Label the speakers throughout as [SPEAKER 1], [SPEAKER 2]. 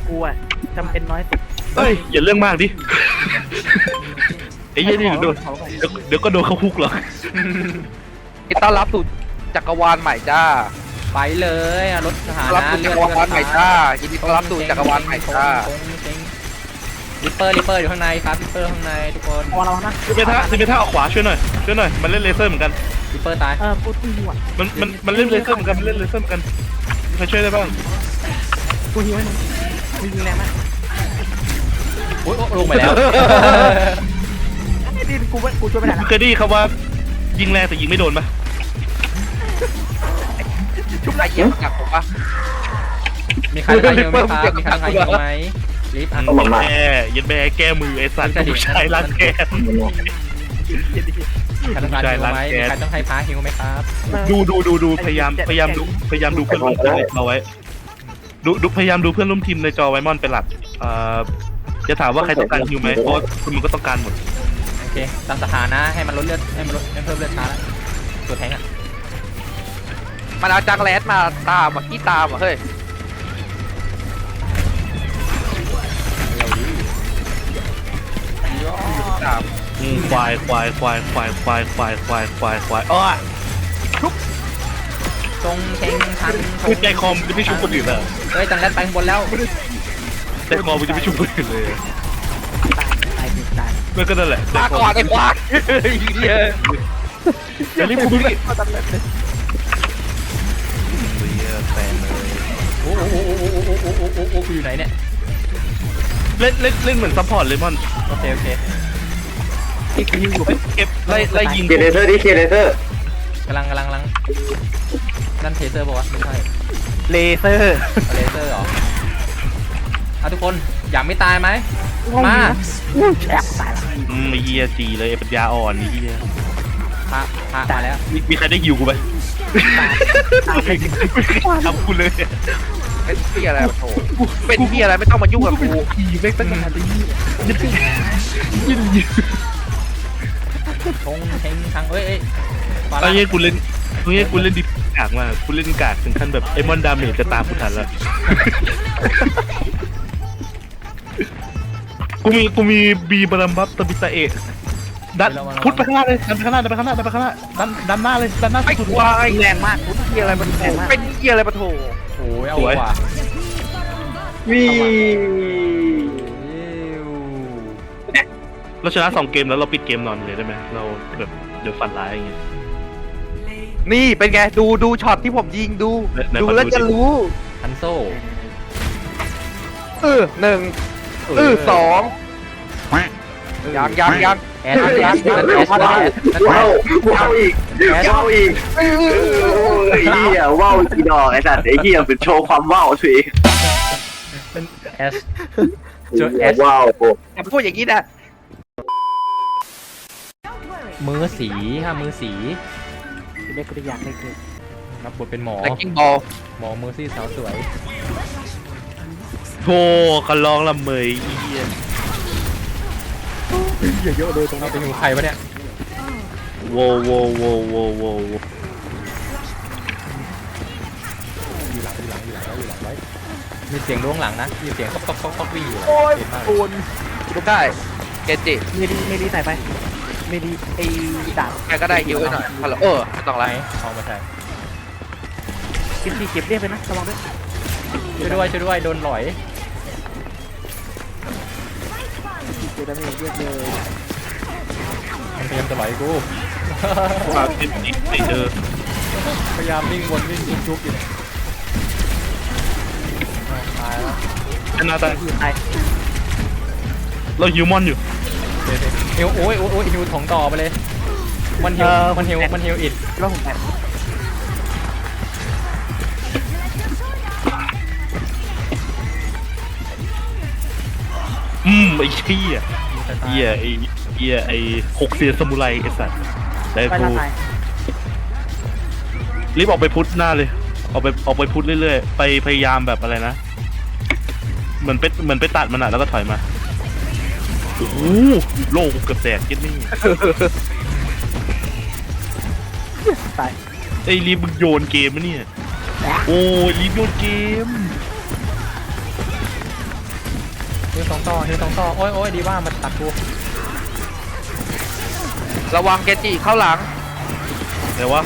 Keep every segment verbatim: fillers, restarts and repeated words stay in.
[SPEAKER 1] กูอ่ะจำเป็นน้อยสุด
[SPEAKER 2] เฮ้ยอย่าเรื่องมากดิไอ้เหี้ยนี่โดนเดี๋ยวเดี๋ยวก็โดนเขาคุกหรอก
[SPEAKER 3] ต้อนรับสู่จักรวาลใหม่จ้า
[SPEAKER 4] ไปเลยรถสถา
[SPEAKER 3] ต้อนรับ
[SPEAKER 4] นะ
[SPEAKER 3] สู่จักรวาลใหม่จ้ายินดีต้อนรับสู่จักรวาลใหม่จ้า
[SPEAKER 4] ลิปเปอร์ลิปเปอร์อยู่ข้างในครับลิปเปอร์ข้างในทุกคน
[SPEAKER 1] พอเรานะ
[SPEAKER 2] ซิเมท่าซิเมท่าเอาขวาช่วยหน่อยช่วยหน่อยมันเล่นเลเซอร์เหมือนกัน
[SPEAKER 4] ลิปเปอร์ตาย
[SPEAKER 1] เออกูกูหิวอ่ะ
[SPEAKER 2] มันมันมันเล่นเลเซอร์เหมือนกันมันเล่นเลเซอร์เหมือนกันใครช่วยได้บ้าง
[SPEAKER 1] กูหิวให้มึงมึงยิงแรงมาก
[SPEAKER 4] โอ้ยลงไปแล้ว
[SPEAKER 1] ไอ้ดินกูกูช่วยไม่ได้
[SPEAKER 2] มึ
[SPEAKER 1] ละ
[SPEAKER 2] งเคยได้ยินคำว่ายิงแรงแต่ยิงไม่โดนปะ
[SPEAKER 3] ชุบไรเยี่ยมจากผมปะ
[SPEAKER 4] มีใครใครอยู่ไหมครับมีใครใครอยู่ไหมลิฟต์อัน
[SPEAKER 2] ยันแม่ยันแม่แก้มือไอ้สัตว์ผู้ชายรักแกน
[SPEAKER 4] ใครต้องการฮิวไหมมีใครต้องให้พาฮิวไหมครับ
[SPEAKER 2] ดูดูดูดูพยายามพยายามดูพยายามดูเพื่อนร่วมทีมในจอไว้ดูดูพยายามดูเพื่อนร่วมทีมในจอไว้มอนเป็นหลักเอ่อจะถามว่าใครต้องการฮิวไหมเพราะคุณมันก็ต้องการหมด
[SPEAKER 4] โอเคตามสถานะให้มันลดเลือดให้มันลดให้เพิ่มเลือดช้าแล้วตัวแทงอ่ะ
[SPEAKER 3] มันเอาจักรแลสมาตามอ่ะขี้ตามอ่ะเฮ้ยตาม
[SPEAKER 2] อืมควายควายควายควายควายควายควายควายควายอ้อ
[SPEAKER 4] ทรงเชงชัน
[SPEAKER 2] คือใจคอมจะไม่ชุบคนอื่นเหรอ
[SPEAKER 4] เฮ้ยจังแรดไปข้างบนแล้ว
[SPEAKER 2] ใจคอมจะไม่ชุบคนอื่นเลย
[SPEAKER 1] ตายตายตาย
[SPEAKER 2] มันก็นั่นแหละ
[SPEAKER 3] มาก่อนไอ้ควายเหี้ย
[SPEAKER 2] อย่ารีบกูไม่ได้
[SPEAKER 1] ก็ตำรวจเลย
[SPEAKER 2] แฟนเลย
[SPEAKER 4] โอ้โหโอ้โหโอ้โหโอ้โหโอ้โหโอ้โหกูอยู่ไหนเนี่ย
[SPEAKER 2] เล่นเล่นเล่นเหมือนซัพพอร์ตเลยมอน
[SPEAKER 4] โอเคโอเค
[SPEAKER 1] ที่กูยิงอยู่
[SPEAKER 2] เก็บไล่ไล่ยิง
[SPEAKER 5] เคเลเซอร์ดิเคเลเซอร์
[SPEAKER 4] กำลังกำลังกำลังนั่นเทเซอร์ป่าวะไม่ใช่
[SPEAKER 1] เลเซอร์
[SPEAKER 4] เลเซอร์เหรอเอาทุกคนอยากไม่ตายไหมมา
[SPEAKER 1] อู้แอบตายละ
[SPEAKER 2] อืมไอ้เฮียจีเลยไอ้ปัญญาอ่อนไอ้เฮีย
[SPEAKER 4] พาพามาแล้ว
[SPEAKER 2] มีมีใครได้ฮิวกูไหม
[SPEAKER 1] ตายเลย
[SPEAKER 2] ทำกูเลย
[SPEAKER 3] เป็นเหี้ยอะไรโถเป็นเหี้ยอะไรไม่ต้องมายุ่งกับกู
[SPEAKER 2] ขี่แม่งตั้งนานไอ้เฮียยินยินยิน
[SPEAKER 4] ทงเชงชังเอ้ยเอ้ยฟา
[SPEAKER 2] ไอ้
[SPEAKER 4] ร่า
[SPEAKER 2] เฮียกูเล่นไอ้เฮียกูเล่นดิบกากมากกูเล่นกากถึงขั้นแบบไอ้มอนดาเมจจะตามกูทันแล้วกูมีกูมีบีบารัมบับตบิตาเอะดันพุทไปข้างหน้าเลยดันไปข้างหน้าดันไปข้างหน้าดันไปข้างหน้าดันดันหน้าเลยดันหน้า
[SPEAKER 3] ไอ้
[SPEAKER 2] สุด
[SPEAKER 3] ควาย
[SPEAKER 1] แรงมากกูเฮียอะไรมันแรงมาก
[SPEAKER 3] เป็นเหี้ยอะไรปะโถ
[SPEAKER 4] โอ้ยเอาว่ะ
[SPEAKER 5] วี
[SPEAKER 2] เราชนะสองเกมแล้วเราปิดเกมนอนเลยได้ไหมเราแบบเดี๋ยวฝันร้ายอย่างเงี้ย
[SPEAKER 3] นี่เป็นไงดูดูช็อตที่ผมยิงดู
[SPEAKER 2] ไหนๆ
[SPEAKER 3] ดู
[SPEAKER 2] ขอดู
[SPEAKER 3] แล้วจะ
[SPEAKER 2] ดิ
[SPEAKER 3] รู้
[SPEAKER 4] ฮันโซ่
[SPEAKER 3] เออหนึ่งเออสองยังยังยัง
[SPEAKER 4] แอสแอสแอสแอสแอส
[SPEAKER 5] ว้าวว้าวอีกว้าวอีกเออไอ้เหี้ยว้าวกี่ดอกไอ้สัตว์ไอ้เหี้ยเป็นโชว์ความว้าวสิ
[SPEAKER 4] แอสเจอแอส
[SPEAKER 5] ว้าว
[SPEAKER 3] อย่าพูดอย่างนี้นะ
[SPEAKER 4] มือสีค่ะมือสี
[SPEAKER 1] เด็กกูอยากเล่นเกม
[SPEAKER 4] รับบทเป็นหมอ
[SPEAKER 3] แล็กกิ้งบอล
[SPEAKER 4] หมอมือซี่สาวสวย
[SPEAKER 2] โธ่คันร้องละเมยอีเหี้ย
[SPEAKER 1] เยอะๆเลยตรง
[SPEAKER 4] เรา
[SPEAKER 1] นี้
[SPEAKER 4] เป็นหูใครวะเนี่ย
[SPEAKER 2] โวโวโวโวโวโว
[SPEAKER 4] อยู่หลังอยู่หลังอยู่หลังไว้อยู่หลังไว้มีเสียงล้วงหลังนะมีเสียงก๊อกก๊อกก๊อกก๊อกวิ่งอยู่หลัง
[SPEAKER 1] โอ้ย
[SPEAKER 4] เห็นมาก
[SPEAKER 1] โอน
[SPEAKER 3] ดูได้เกจิ
[SPEAKER 1] เมลีเมลีใส่ไปเมลีไอ้ดาบ
[SPEAKER 3] ใครก็ได้ยิวไว้หน่อยฮัลโหลเออไม่ต้องไร
[SPEAKER 4] ไหนเอามาใส่
[SPEAKER 1] เก็บดีเก็บเรียบไปนะระวังด้วย
[SPEAKER 4] ช่วยด้วยช่วยด้วยโดนหลอย
[SPEAKER 1] เจอดาเมจเยอะเลย
[SPEAKER 4] มันพยายามจะหลอยกู
[SPEAKER 2] มาเป็นอีกไม่เจอ
[SPEAKER 4] พยายามวิ่งวนวิ่งจุกๆอยู่เนี่ยตายแล้ว
[SPEAKER 2] ชนะตาย
[SPEAKER 1] ตาย
[SPEAKER 2] เราฮิวมอนอยู่
[SPEAKER 4] เดี๋ยวๆฮิวโอ้ยโอ้ยโอ้ยฮิวถงต่อไปเลยมันฮิวมันฮิวมันฮิวอิด
[SPEAKER 1] แล้วผมแอบ
[SPEAKER 2] อืมไอ้เหี้ยเหี้ยไอ้เหี้ยไอ้หกเสียนสมุไรไอ้สัตว์ได้
[SPEAKER 1] ไป
[SPEAKER 2] กู
[SPEAKER 1] ละตาย
[SPEAKER 2] รีบออกไปพุทธหน้าเลยออกไปออกไปพุทธเรื่อยๆไปพยายามแบบอะไรนะเหมือนไปเหมือนไปตัดมันอ่ะแล้วก็ถอยมาโอ้โหโลกเกือบแตกเก็ตนี่
[SPEAKER 1] ตาย
[SPEAKER 2] ไอ้รีบมึงโยนเกมมะเนี่ยโอ้ยรีบโยนเกม
[SPEAKER 4] ฮิวสองต่อฮิวสองต่อโอ้ยโอ้ยดีว่ามันตัดกู
[SPEAKER 3] ระวังเกจิเข้าหลัง
[SPEAKER 2] เดี๋ยววะ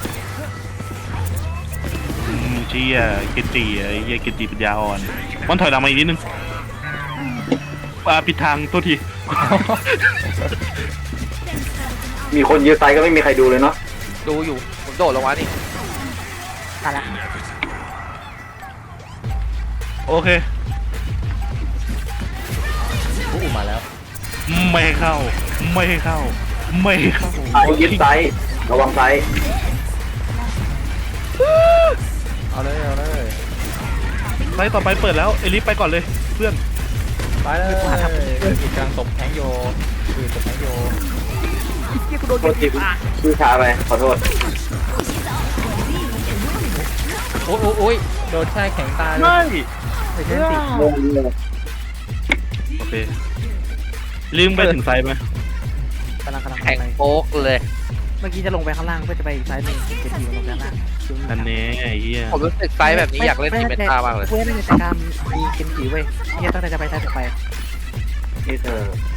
[SPEAKER 2] อืมเชี่ยเกจิไอ้เหี้ยเกจิปัญญาอ่อนมันถอยหลังมาอีกนิดนึงอ่าปิดทางตัวที
[SPEAKER 5] มีคนยืนไซก็ไม่มีใครดูเลยเนาะ
[SPEAKER 3] ดูอยู่ผมโดดลงมานี่
[SPEAKER 1] มาละ
[SPEAKER 2] โอเค
[SPEAKER 4] อู้มาแล้ว
[SPEAKER 2] ไม่ให้เข้า ไม่ให้เข้า ไม่ให้เข้า
[SPEAKER 5] ไอ้ยึดไซระวังไซ
[SPEAKER 4] เอาเลยเอาเลย
[SPEAKER 2] ไลน์ต่อไปเปิดแล้วเอลิฟไปก่อนเลยเพื่อน
[SPEAKER 4] ไปเลยอีกกลางตบแทงโยคือตบแทงโย
[SPEAKER 1] ที่กูโดน
[SPEAKER 5] โทษทีชื่อช้าไปขอโทษ
[SPEAKER 4] โอ้ยโอ้ยโอ้ยโดนแช่แข็งตายเลย
[SPEAKER 2] ไม่
[SPEAKER 1] ไม่ใช่สิ
[SPEAKER 5] งงเลย
[SPEAKER 2] โอเคลืมไปถึงไซส์ไหม
[SPEAKER 1] กำลังกำลัง
[SPEAKER 3] แข่ง
[SPEAKER 1] ไป
[SPEAKER 3] โป๊กเลย
[SPEAKER 1] เมื่อกี้จะลงไปข้างล่างเพื่อจะไปอีกซ้ายหนึ่งเก็บทีลงไปข้างล่าง
[SPEAKER 2] อันนี้ไอ้เหี้ย
[SPEAKER 3] ผมรู้สึกไซส์แบบนี้อยากเล่นทีมเมตามากเลย
[SPEAKER 1] เว้ยในแต่การมีเกมผีเว้ยเนี่ยตั้งแต่จะไปซ้ายจะไป
[SPEAKER 5] นี่เธอ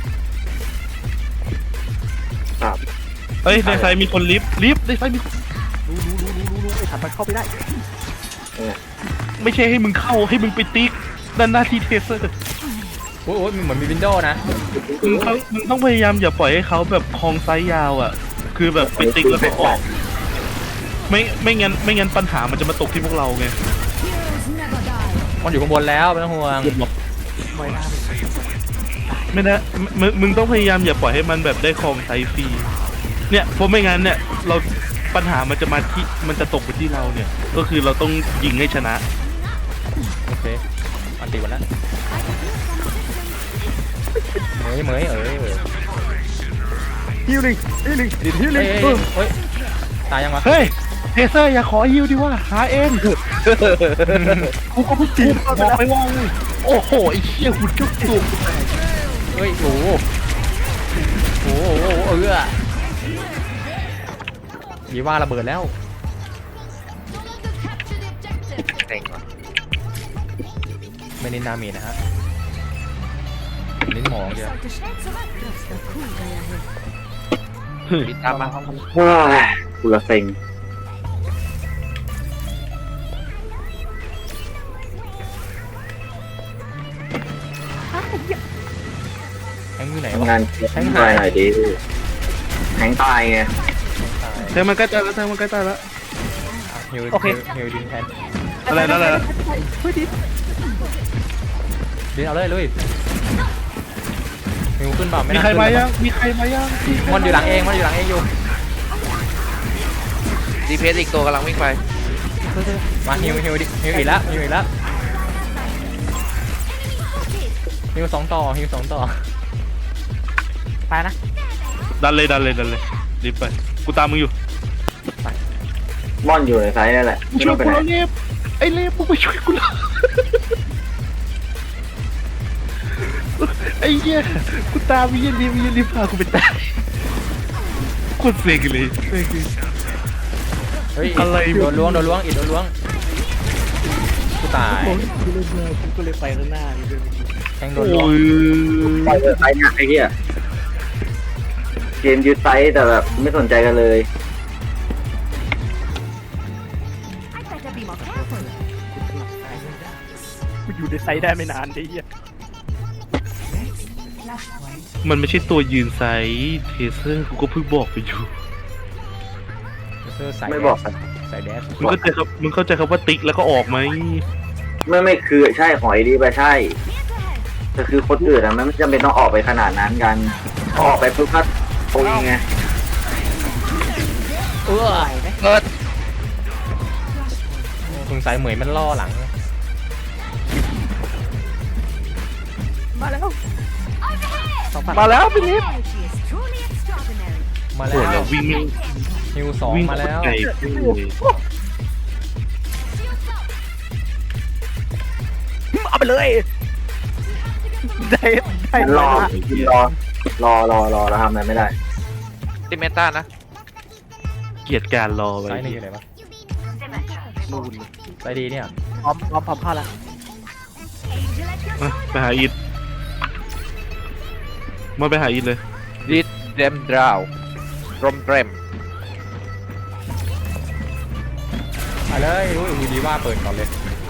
[SPEAKER 5] ครับ
[SPEAKER 2] เฮ้ยในไซส์มีคนลิฟต์ลิฟต์ในไซส์มีคน
[SPEAKER 1] รู้รู้รู้รู้รู้รู้ไอ้ถัดมันเข้าไปได้
[SPEAKER 2] ไม่ใช่ให้มึงเข้าให้มึงไปติ๊กด้านหน้าที่เทเซอร์
[SPEAKER 4] โอ้ยโอ้ยเหมือนมีวินโดว์นะ
[SPEAKER 2] มึงเขามึงต้องพยายามอย่าปล่อยให้เขาแบบคลองไซส์ยาวอ่ะ คือแบบไปติ๊กแล้วก็ออกไม่ไม่งั้นไม่งั้นปัญหามันจะมาตกที่พวกเราไง
[SPEAKER 4] มันอยู่ข้างบนแล้วไม่ต้องห่วง
[SPEAKER 1] ไม่ได้
[SPEAKER 2] ไม่นะมึงมึงต้องพยายามอย่าปล่อยให้มันแบบได้คลองไซส์ฟรีเนี่ยเพราะไม่งั้นเนี่ยเราปัญหามันจะมาที่มันจะตกไปที่เราเนี่ย ก็คือเราต้องยิงให้ชนะ
[SPEAKER 4] โอเคอันตีวันแล้วเหมยเหมยเอ้ยเอ้ย
[SPEAKER 1] ฮิวหนึ่งฮิวหนึ่งดิฮิวห
[SPEAKER 4] เฮ้
[SPEAKER 1] นึ่
[SPEAKER 4] ย
[SPEAKER 1] ง
[SPEAKER 4] เฮ้ยเฮ้ยตายยังวะ
[SPEAKER 2] เฮ้ยเทเซอร์อย่าขอฮิวดิว่าหาเองกูก็ไม่จีบบอกไปว่าโอ้โหไอ้เชี่ยหุ่นจุกจุก
[SPEAKER 4] เฮ้ยโอ้โหโอ้โหโอ้โหเออดีว่าระเบิดแล้ว
[SPEAKER 3] เก่งว่ะ
[SPEAKER 4] ไม่เน้นดาเมจนะฮะเน้นหมองเดียว
[SPEAKER 3] ปิดตามมา
[SPEAKER 5] เฮ้ยกูละเซ็ง
[SPEAKER 4] แทงอยู่ไหน
[SPEAKER 5] ทำ
[SPEAKER 4] วะ
[SPEAKER 5] งานแทงตายหน่อยดิแทงตายไง
[SPEAKER 2] แทงมันใกล้ตายแล้วแทงมันใกล้ตายแล้ว
[SPEAKER 4] ฮิวฮิวดินแทน
[SPEAKER 2] อะไรนั่นแหละ
[SPEAKER 1] เฮ้ยดิ
[SPEAKER 4] ดินเอาเลยลุยฮิวขึ้นเปล่าไม่
[SPEAKER 2] มี
[SPEAKER 4] น่า
[SPEAKER 2] ใคร
[SPEAKER 4] ขึ้น
[SPEAKER 2] มายังมีใครมายัง
[SPEAKER 4] มันอยู่หลังเองมันอยู่หลังเองอยู่
[SPEAKER 3] ดีเพสอีกตัวกำลังวิ่งไป
[SPEAKER 4] มาฮิวฮิวดิฮิวอีกแล้วฮิวอีกแล้วฮิวสองต่อฮิวสองต่อ
[SPEAKER 1] ไปนะ
[SPEAKER 2] ดันเลยดันเลยดันเลยรีบไปกูตามมึงอยู่
[SPEAKER 5] ม่อนอยู่ในไซส์นั่นแหละไม่
[SPEAKER 2] ช่
[SPEAKER 5] ต้
[SPEAKER 2] ว
[SPEAKER 5] อย งไป
[SPEAKER 2] กู
[SPEAKER 5] ไหน
[SPEAKER 2] แล้วเล็บไอ้เล็บมึงไปช่วยกูแล้วไอ้เหี้ยกูตามวิญญาณรีบวิญญาณรีบพากูไปตายโคตรเซ็งเลยเซ็งเลย
[SPEAKER 4] เฮ้ย
[SPEAKER 2] อะไร
[SPEAKER 4] โดนล้วงโดนล้วงอีกโดนล้วงกูตาย
[SPEAKER 1] โอ้ยกูเลยมากูก็เลยไปข้างหน้านี่ด้วย
[SPEAKER 4] แทงโด
[SPEAKER 2] โอ้
[SPEAKER 4] นล้วง
[SPEAKER 2] ย
[SPEAKER 5] ปล่อยเถอะไซส์เนี่ยไอ้เหี้ยเกมยึดไซส์แต่แบบไม่สนใจกันเลย
[SPEAKER 1] กูอยู่ในไซด์ได้ไม่นานไอ้เหี้ย
[SPEAKER 2] มันไม่ใช่ตัวยืนไซส์เทเซอร์กูก็เพิ่งบอกไปอยู่
[SPEAKER 4] เสื้อใส่
[SPEAKER 5] ไม่บอก
[SPEAKER 4] ใส่แดส
[SPEAKER 2] มึงเข้าใจครับมึงเข้าใจคำว่าติ๊กแล้วก็ออกไหม
[SPEAKER 5] ไม่ไม่คือใช่หอยดีไปใช่แต่คือคนอื่นอะมันไม่จำเป็นต้องออกไปขนาดนั้นกันพอออกไปปุ๊บก็โอ้ยไง
[SPEAKER 4] เออ
[SPEAKER 1] ไหวไหม
[SPEAKER 3] เกิด
[SPEAKER 4] สงสัยเหมยมันล่อหลัง
[SPEAKER 1] มาแล้วสองพัน
[SPEAKER 2] มาแล้วพี่ลิฟ
[SPEAKER 4] มา
[SPEAKER 2] โอ้
[SPEAKER 4] แล้
[SPEAKER 2] ยว วิ่งไม่
[SPEAKER 4] ฮิวสอง
[SPEAKER 2] วิ่ง
[SPEAKER 4] มาแล้ว
[SPEAKER 2] ไกลเลย
[SPEAKER 1] เอาไปเลยได้ได้
[SPEAKER 5] รอรอรอรอรอแล้วทำอะไรไม่ได้
[SPEAKER 3] ทีมเมตานะ
[SPEAKER 2] เกลียดการรอไป
[SPEAKER 4] ไซส์หนึ่งอยู่ไหนวะ
[SPEAKER 1] นู่น
[SPEAKER 4] ไซส์ดีเนี่ย
[SPEAKER 1] พร้อมพร้อมพร้อมเข้าแล้ว
[SPEAKER 2] อ่ะไปหาอีทมาไปหาอีทเลย
[SPEAKER 3] ดิดเดมดราวรมเตรม
[SPEAKER 4] มาเลยอุ้ยวีดีว่าเปิดก่อนเลย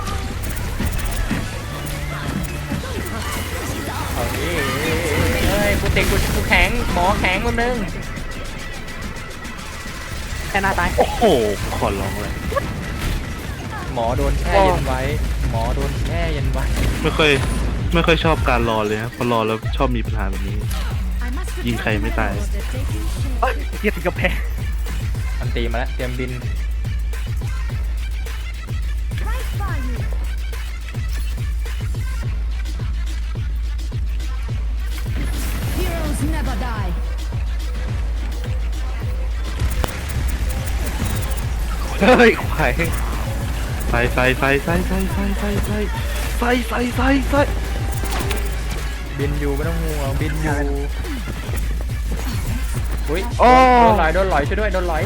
[SPEAKER 4] เอาดิเฮ้ยกูติดกูกูแข็งหมอแข็งคนนึง
[SPEAKER 1] แค่หน้าตาย
[SPEAKER 2] โอ้โหขอร้องเลย
[SPEAKER 4] หมอโดนแช่เย็นไว้ หมอโดนแช่เย็นไว้
[SPEAKER 2] ไม่ค่อยไม่ค่อยชอบการรอเลยนะพอรอแล้วชอบมีปัญหาแบบนี้ ยิงใครไม่ตาย
[SPEAKER 1] เอ้ยเทียบกับแพ้
[SPEAKER 4] อันตีมาแล้วเตรียมบิน
[SPEAKER 6] Heroes never die.
[SPEAKER 3] เฮ้ยควาย
[SPEAKER 2] ไฟไฟไฟไฟไฟไฟไฟไฟไฟไฟไฟไฟ
[SPEAKER 4] บินอยู่ไม่ต้องห่วงบินอยู่อุ้ย
[SPEAKER 3] โอ้
[SPEAKER 4] โดนไหลโดนไหลช่วยด้วยโดนไหล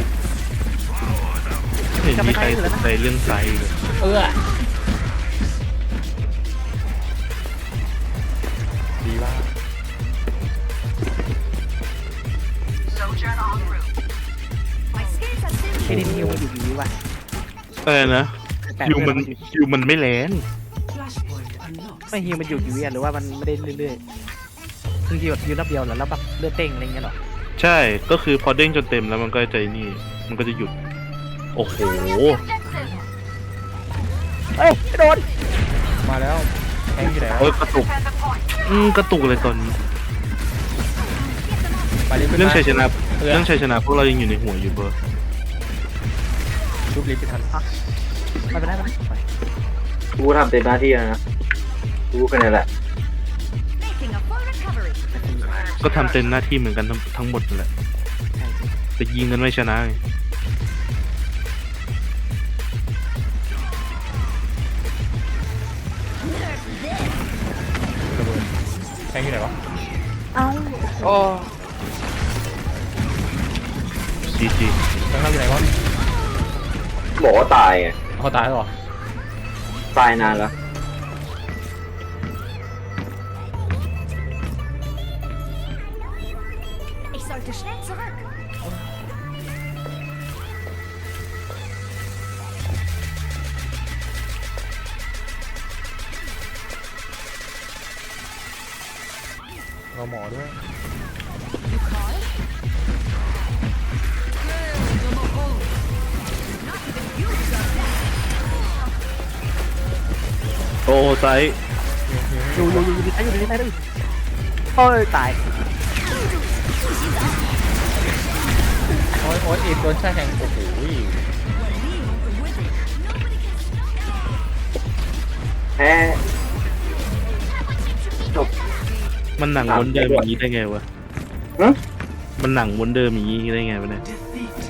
[SPEAKER 2] ไม่เห็นมีใครสนใจเรื่องไฟเลย
[SPEAKER 4] เออดีว่า
[SPEAKER 6] My skills are
[SPEAKER 1] ไอ้
[SPEAKER 6] still
[SPEAKER 1] นี่ฮิวมันอยู่ดีว่ะ
[SPEAKER 2] เออนะ
[SPEAKER 1] แต่
[SPEAKER 2] คิวมันคิวมันไม่แรง
[SPEAKER 1] ไม่ฮิวมันอยู่อยู่ดีหรือว่ามันไม่ได้เรื่อยๆคือฮิวฮิวนับเดียวเหรอแล้วแบบเลือดเต้งอะไรเงี้ยเหรอ
[SPEAKER 2] ใช่ก็คือพอเด้งจนเต็มแล้วมันก็ใจนี่มันก็จะหยุดโอ้โห
[SPEAKER 1] เอ้ยโดน
[SPEAKER 4] มาแล้วแข็งอยู่ไหน
[SPEAKER 2] โอ้
[SPEAKER 4] วะ
[SPEAKER 2] ยกระตุกอืมกระตุกเลยตอนนี้
[SPEAKER 4] ไปรีบขึ้น
[SPEAKER 2] เรื่อง
[SPEAKER 4] มา
[SPEAKER 2] ชัยชนะ
[SPEAKER 4] เออ
[SPEAKER 2] เรื่องชัยชนะพวกเรายังอยู่ในหัวอยู่เบอร์
[SPEAKER 4] รูปรีบไปทัน
[SPEAKER 1] ไม่เป็นไรไม่เป็นไร
[SPEAKER 5] กูทำเต็มหน้าที่แล้วนะกูแค่นั้นแหละ
[SPEAKER 6] making a full recovery.
[SPEAKER 2] ก็ทำเต็มหน้าที่เหมือนกันทั้งทั้งหมดนั่นแหละแต่ยิงกันไม่ชนะไง
[SPEAKER 4] ระเบิดแข็งอยู่ไหนวะ
[SPEAKER 3] โอ้
[SPEAKER 2] จีจี
[SPEAKER 4] แข็งเราอยู่ไหนวะ
[SPEAKER 5] บอกว่าตายไง
[SPEAKER 4] เขาตายแล้วเหรอ
[SPEAKER 5] ตายนานแล้ว
[SPEAKER 6] Ich sollte schnell zurück.
[SPEAKER 4] เราหมอด้วย
[SPEAKER 2] โอ้ไซส์
[SPEAKER 1] อยู่อยู่อยู่อยู่ดีอยู่ดีได้ด้วยโอ้ยตาย
[SPEAKER 4] โอ้ยโอ้ยอีกโดนแช่แข็งโอ้โห
[SPEAKER 5] แพ้จบ
[SPEAKER 2] มันหนังวนเดิมอย่างนี้ได้ไงวะ
[SPEAKER 5] ฮะ
[SPEAKER 2] มันหนังวนเดิมอย่างนี้ได้ไงวะเนี่ย